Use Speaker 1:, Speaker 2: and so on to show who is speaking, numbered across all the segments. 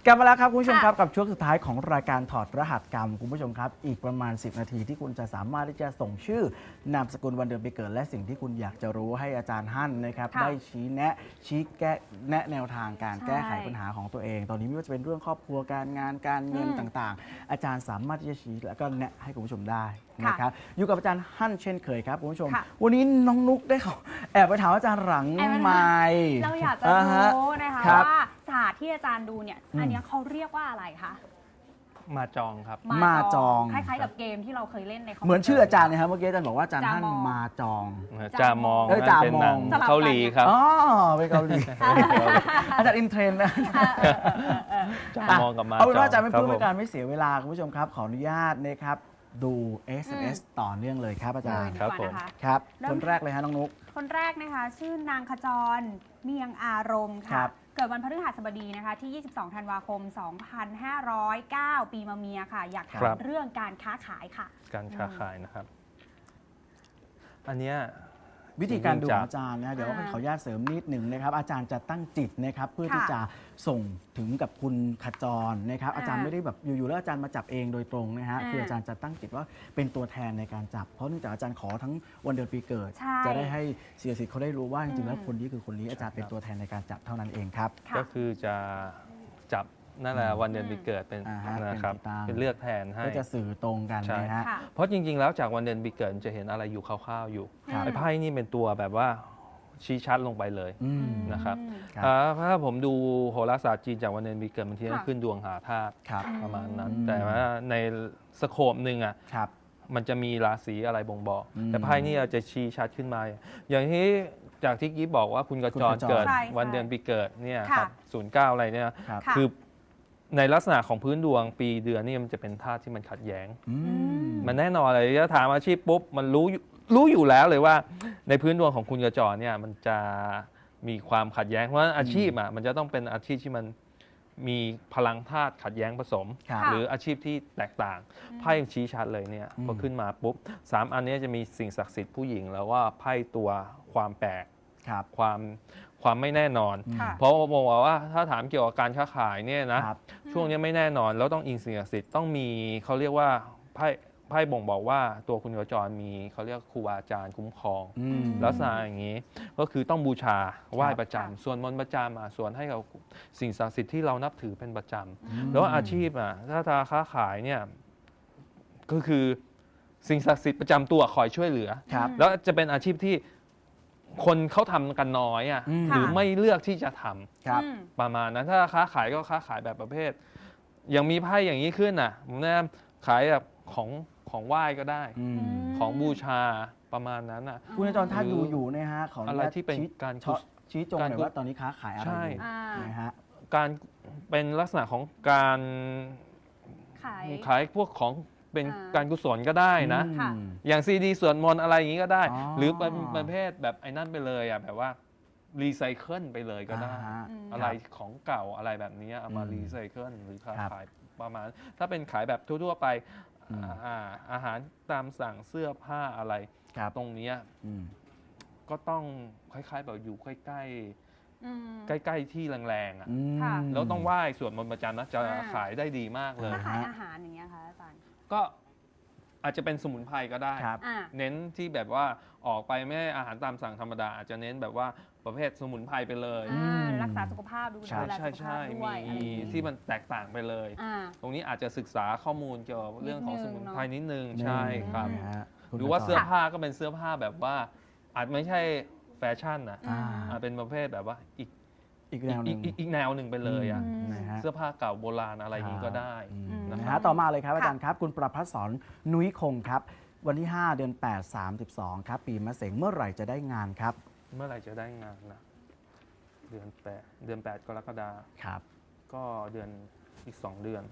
Speaker 1: กลับมาแล้วครับคุณผู้ชมครับกับช่วงสุดท้ายของรายการถอดรหัสกรรมคุณผู้ชมครับอีกประมาณ10นาทีที่คุณจะสามารถที่จะส่งชื่อนามสกุลวันเดือนปีเกิดและสิ่งที่คุณอยากจะรู้ให้อาจารย์ฮั่นนะครับได้ชี้แนะแนะแนวทางการแก้ไขปัญหาของตัวเองตอนนี้ไม่ว่าจะเป็นเรื่องครอบครัวการงานการเงินต่างๆอาจารย์สามารถที่จะชี้และก็แนะให้คุณผู้ชมได้นะครับอยู่กับอาจารย์ฮั่นเช่นเคยครับคุณผู้ชมวันนี้น้องนุ๊กได้เขาแอบไปถามอาจารย์หลังไมค์
Speaker 2: เราอยากจะรู้นะคะว่าศาสตร์ที่อาจารย์ดูเนี่ยอันนี้เขาเรียกว่าอะไรคะ
Speaker 3: มาจองครับ
Speaker 1: มาจอง
Speaker 2: คล้ายๆกับเกมที่เราเคยเล่นในคอมพิวเตอร์
Speaker 1: เหมือนชื่ออาจารย์นะครับเมื่อกี้อาจารย์บอกว่าอาจารย์ท่านมาจอง
Speaker 3: จามอง
Speaker 1: จา
Speaker 3: เป็นหนัง
Speaker 1: มอง
Speaker 3: เกาหลีครับ
Speaker 1: อ๋อเป็นเกาหลีอาจารย์อินเทรนด์นะ
Speaker 3: จามองกับมาจอง
Speaker 1: เอาเป็นว่าอาจารย์ไม่พูดเป็นการไม่เสียเวลาคุณผู้ชมครับขออนุญาตนะครับดู SMS ต่อเนื่องเลยครับอาจารย์
Speaker 3: ครับผม
Speaker 1: ครับคนแรกเลยฮะน้องนุ๊ก
Speaker 2: คนแรกนะคะชื่อนางขจรเมียงอารมณ์ค่ะเกิดวันพฤหัสบดีนะคะที่22ธันวาคม2509ปีมะเมียค่ะอยากถามเรื่องการค้าขายค่ะ
Speaker 3: การค้าขายนะครับอันเนี้ย
Speaker 1: วิธีการดูของอาจารย์นะเดี๋ยวขออนุญาตเสริมนิดหนึ่งนะครับอาจารย์จะตั้งจิตนะครับเพื่อที่จะส่งถึงกับคุณขจรนะครับอาจารย์ไม่ได้แบบอยู่ๆแล้วอาจารย์มาจับเองโดยตรงนะฮะคืออาจารย์จะตั้งจิตว่าเป็นตัวแทนในการจับเพราะเนื่องจากอาจารย์ขอทั้งวันเดือนปีเกิดจะได้ให้เสียสิทธิ์เขาได้รู้ว่าจริงๆแล้วคนนี้คือคนนี้อาจารย์เป็นตัวแทนในการจับเท่านั้นเองครับ
Speaker 3: ก็คือจะจับนั่นแหละวันเดือนปีเกิดเป็นนะครับเป็นเลือกแทนให้
Speaker 1: ก็จะสื่อตรงกันนะฮะ
Speaker 3: เพราะจริงๆแล้วจากวันเดือนปีเกิดจะเห็นอะไรอยู่คร่าวๆอยู่ไอ้ไพ่นี่เป็นตัวแบบว่าชี้ชัดลงไปเลยนะครับถ้าผมดูโหราศาสตร์จีนจากวันเดือนปีเกิดบางทีขึ้นดวงหาธาตุประมาณนั้นแต่ว่าในสโคปหนึ่งอ่ะมันจะมีราศีอะไรบ่งบอกแต่ไพ่นี่จะชี้ชัดขึ้นมาอย่างที่จากที่กิ๊บบอกว่าคุณกระจรเกิดวันเดือนปีเกิดเนี่ยครับ09อะไรเนี่ยคือในลักษณะของพื้นดวงปีเดือนนี่มันจะเป็นธาตุที่มันขัดแย้งมันแน่นอนเลยถ้าถามอาชีพปุ๊บมันรู้อยู่แล้วเลยว่าในพื้นดวงของคุณกระจรเนี่ยมันจะมีความขัดแย้งเพราะฉะนั้นอาชีพอ่ะมันจะต้องเป็นอาชีพที่มันมีพลังธาตุขัดแย้งผสมหรืออาชีพที่แตกต่างไพ่ยังชี้ชัดเลยเนี่ยพอขึ้นมาปุ๊บ3อันนี้จะมีสิ่งศักดิ์สิทธิ์ผู้หญิงแล้วว่าไพ่ตัวความแปลกความไม่แน่นอนเพราะบอกว่าถ้าถามเกี่ยวกับการค้าขายเนี่ยนะช่วงนี้ไม่แน่นอนแล้วต้องอิงสิ่งศักดิ์สิทธิ์ต้องมีเขาเรียกว่าไพ่บ่งบอกว่าตัวคุณกระจรมีเขาเรียกครูบาอาจารย์คุ้มครองลักษณะอย่างนี้ก็คือต้องบูชาไหว้ประจำส่วนมนต์ประจำส่วนให้กับสิ่งศักดิ์สิทธิ์ที่เรานับถือเป็นประจำแล้วอาชีพถ้าค้าขายเนี่ยก็คือสิ่งศักดิ์สิทธิ์ประจำตัวคอยช่วยเหลือแล้วจะเป็นอาชีพที่คนเขาทำกันน้อยหรือไม่เลือกที่จะทำประมาณนั้นถ้าค้าขายก็ค้าขายแบบประเภทอย่างมีไพ่อย่างนี้ขึ้นผมแนะนำขายแบบของไหว้ก็ได้ของบูชาประมาณนั้น
Speaker 1: คุณอาจารย์ถ้าอยู่นะฮะของ
Speaker 3: อะไรที่เป็นการ
Speaker 1: ชี้จงหน่อยว่าตอนนี้ค้าขายอะไรอยู่นะฮะ
Speaker 3: การเป็นลักษณะของการขายพวกของเป็นการกุศลก็ได้นะอย่างซีดีสวดมนต์อะไรอย่างนี้ก็ได้หรือเป็นประเภทแบบไอ้นั่นไปเลยแบบว่ารีไซเคิลไปเลยก็ได้อะไรของเก่าอะไรแบบนี้เอามารีไซเคิลหรือขายประมาณถ้าเป็นขายแบบทั่วๆไปอาหารตามสั่งเสื้อผ้าอะไรตรงนี้ก็ต้องคล้ายๆแบบอยู่ใกล้ๆที่แรงๆแล้วต้องไหว้สวดมนต์ประจำนะจะขายได้ดีมากเลย
Speaker 2: ขายอาหารอย่างเงี้ยค่ะอาจารย์
Speaker 3: ก็อาจจะเป็นสมุนไพรก็ได้เน้นที่แบบว่าออกไปไม่อาหารตามสั่งธรรมดาอาจจะเน้นแบบว่าประเภทสมุนไพรไปเลย
Speaker 2: รักษาสุขภาพดูแลสุขภาพด้วย
Speaker 3: มีที่มันแตกต่างไปเลยตรงนี้อาจจะศึกษาข้อมูลเกี่ยวกับเรื่องของสมุนไพรนิดนึงใช่ครับหรือว่าเสื้อผ้าก็เป็นเสื้อผ้าแบบว่าอาจไม่ใช่แฟชั่นอาจเป็นประเภทแบบว่าอีกแนวหนึ่งไปเลยเสื้อผ้าเก่าโบราณอะไรนี้ก็ได้
Speaker 1: ต่อมาเลยครับอาจารย์ครับคุณประภัสสรนุ้ยคงครับวันที่5เดือน8 32ครับปีมะเสงเมื่อไหร่จะได้งานครับ
Speaker 3: เมื่อไหร่จะได้งานนะเดือน8กรกฎาคม
Speaker 1: ครับ
Speaker 3: ก็เดือนอีก2 เดือน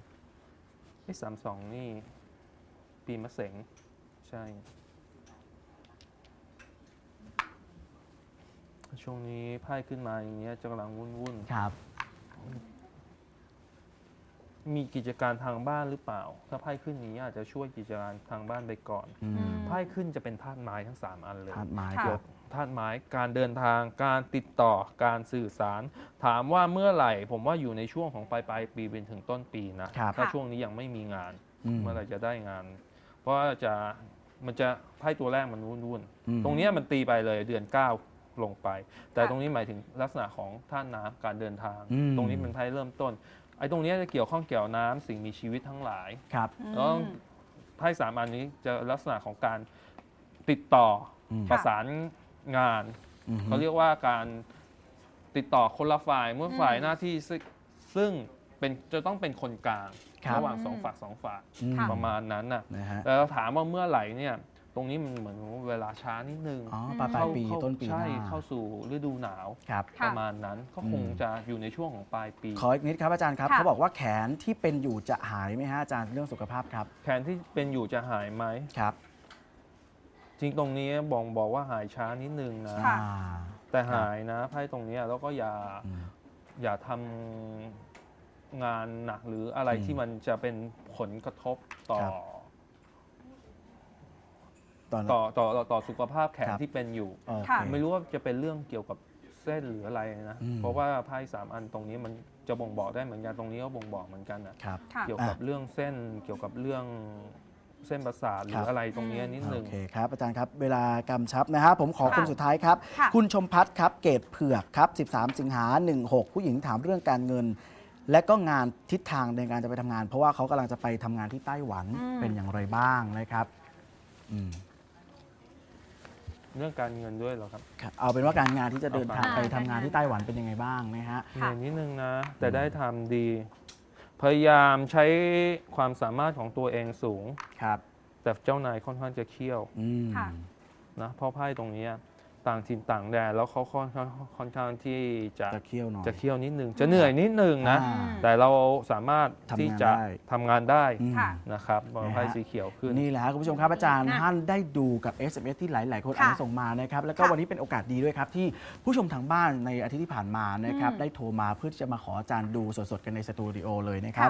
Speaker 3: 32นี่ปีมะเสงใช่ช่วงนี้ไพ่ขึ้นมาอย่างเงี้ยจะกำลังวุ่น
Speaker 1: ครับ
Speaker 3: มีกิจการทางบ้านหรือเปล่า ถ้าไพ่ขึ้นนี้อาจจะช่วยกิจการทางบ้านไปก่อน
Speaker 1: อืม
Speaker 3: ไพ่ขึ้นจะเป็นธาตุไม้ทั้ง 3 อันเลย
Speaker 1: ธาตุไม้
Speaker 2: ค่ะ
Speaker 1: ค
Speaker 3: เกี่
Speaker 1: รั
Speaker 3: ยว
Speaker 1: บ
Speaker 3: ธาตุไม้การเดินทางการติดต่อการสื่อสาร ถามว่าเมื่อไหร่ ผมว่าอยู่ในช่วงของปลายปีเป็นถึงต้นปีนะครับ ถ้า
Speaker 2: ค่ะ
Speaker 3: ช่วงนี้ยังไม่มีงาน
Speaker 1: อืม
Speaker 3: เมื่อไหร่จะได้งาน เพราะว่ามันจะไพ่ตัวแรกมันวุ่น
Speaker 1: อืม
Speaker 3: ๆตรงเนี้ยมันตีไปเลยเดือน 9 ลงไป แต่
Speaker 2: ค่ะ
Speaker 3: ตรงนี้หมายถึงลักษณะของธาตุน้ำการเดินทาง
Speaker 1: อืม
Speaker 3: ตรงนี้เป็นไพ่เริ่มต้นไอ้ตรงเนี้ยจะเกี่ยวข้องเกี่ยวน้ำสิ่งมีชีวิตทั้งหลาย
Speaker 1: ครับ
Speaker 3: แล้ว ไพ่3 อันนี้จะลักษณะของการติดต่ออ
Speaker 1: ม
Speaker 3: ประสานงาน
Speaker 1: อืม
Speaker 3: เขาเรียกว่าการติดต่อคนละฝ่ายเมื่อฝ่ายหน้าที่ซึ่งจะต้องเป็นคนกลาง
Speaker 1: ครับ
Speaker 3: ระหว่างสองฝ่ายสองฝ่าย
Speaker 1: อืม
Speaker 2: ค่ะ
Speaker 3: ประมาณนั้นน่ะ
Speaker 1: นะฮะ
Speaker 3: แต่เราถามว่าเมื่อไหร่เนี่ยตรงนี้มันเหมือนเวลาช้านิดนึง
Speaker 1: อ๋อปลายปี
Speaker 3: เข้า
Speaker 1: ต้นปีห
Speaker 3: ใช่
Speaker 1: น้า
Speaker 3: เข้าสู่ฤดูหนาว
Speaker 1: ครับ
Speaker 2: ค่ะ
Speaker 3: ประมาณนั้นก็คงจะอยู่ในช่วงของปลายปี
Speaker 1: ขออีกนิดครับอาจารย์ครับ
Speaker 2: ค่ะ
Speaker 1: เขาบอกว่าแขนที่เป็นอยู่จะหายไหมฮะอาจารย์เรื่องสุขภาพครับ
Speaker 3: แขนที่เป็นอยู่จะหายไหม
Speaker 1: ครับ
Speaker 3: จริงตรงนี้บอกว่าหายช้านิดนึงนะ
Speaker 2: ค่ะ
Speaker 1: อ่า
Speaker 3: แต่หายนะไพ่ตรงนี้แล้วก็
Speaker 1: อืม
Speaker 3: อย่าทำงานหนักหรืออะไร
Speaker 1: อืม
Speaker 3: ที่มันจะเป็นผลกระทบต่อ
Speaker 1: ครับ ตอน
Speaker 3: ต่อสุขภาพแขน
Speaker 1: ครับ
Speaker 3: ที่เป็นอยู่
Speaker 1: โอเค
Speaker 2: ค่ะ
Speaker 3: ไม่รู้ว่าจะเป็นเรื่องเกี่ยวกับเส้นหรืออะไรนะ
Speaker 1: อืม
Speaker 3: เพราะว่าไพ่3 อันตรงนี้มันจะบ่งบอกได้เหมือนกันตรงนี้ก็บ่งบอกเหมือนกันนะครับ
Speaker 2: ค่ะ
Speaker 3: เกี่ยวกับเรื่องเส้นเกี่ยวกับเรื่องเส้นประสาทหรื
Speaker 1: ครั
Speaker 3: อบ อะไรตรงนี้นิดนึ
Speaker 1: โอง เคครับอาจารย์ครับ เวลากำชับนะฮะผมขอ
Speaker 2: ค่ะ
Speaker 1: คนสุดท้ายครับ
Speaker 2: ค่ะ
Speaker 1: คุณชมพัฒน์ครับเกตเผือกครับ 13 สิงหา 16 ผู้หญิงถามเรื่องการเงิน และก็งานทิศทางในการจะไปทำงาน เพราะว่าเขากำลังจะไปทำงานที่ไต้หวัน
Speaker 2: อืม
Speaker 1: เป็นอย่างไรบ้างนะครับอืม
Speaker 3: เรื่องการเงินด้วยเหรอครับ
Speaker 1: ครับเอาเป็นว่าการงานที่จะเดินทาง
Speaker 2: อ่า
Speaker 1: ไปทำงานที่ไต้หวันเป็นยังไงบ้างนะฮะ
Speaker 3: เหนื่อยนิดนึงนะ แต่ได้ทำดี พยายามใช้ความสามารถของตัวเองสูง
Speaker 1: ครับ
Speaker 3: แต่เจ้านายค่อนข้างจะเคี่ยว
Speaker 1: อืม
Speaker 2: ค่ะ
Speaker 3: นะเพราะไพ่ตรงนี้ต่างถิ่นต่างแดนแล้วเขาค่อนข้างที่จะ
Speaker 1: จะเคี่ยวหน่อย
Speaker 3: จะเคี่ยวนิดนึง จะเหนื่อยนิดนึงนะ
Speaker 1: อ่า
Speaker 3: แต่เราสามารถที่จะ
Speaker 1: ทำงานได้
Speaker 3: ทำงานได้
Speaker 1: อืม
Speaker 2: ค่ะ
Speaker 3: นะครับพอไพ่
Speaker 1: นะฮะ
Speaker 3: สีเขียวขึ้น
Speaker 1: นี่แหละครับคุณผู้ชมครับอาจารย์
Speaker 2: นะ
Speaker 1: ท่านได้ดูกับ SMS ที่หลาย ๆ คน
Speaker 2: ค่ะ
Speaker 1: อ่านส่งมานะครับแล้วก็
Speaker 2: ค่ะ
Speaker 1: วันนี้เป็นโอกาสดีด้วยครับ ที่ผู้ชมทางบ้านในอาทิตย์ที่ผ่านมานะครับ
Speaker 2: อืม
Speaker 1: ได้โทรมาเพื่อที่จะมาขออาจารย์ดูสด ๆ กันในสตูดิโอเลยนะครับ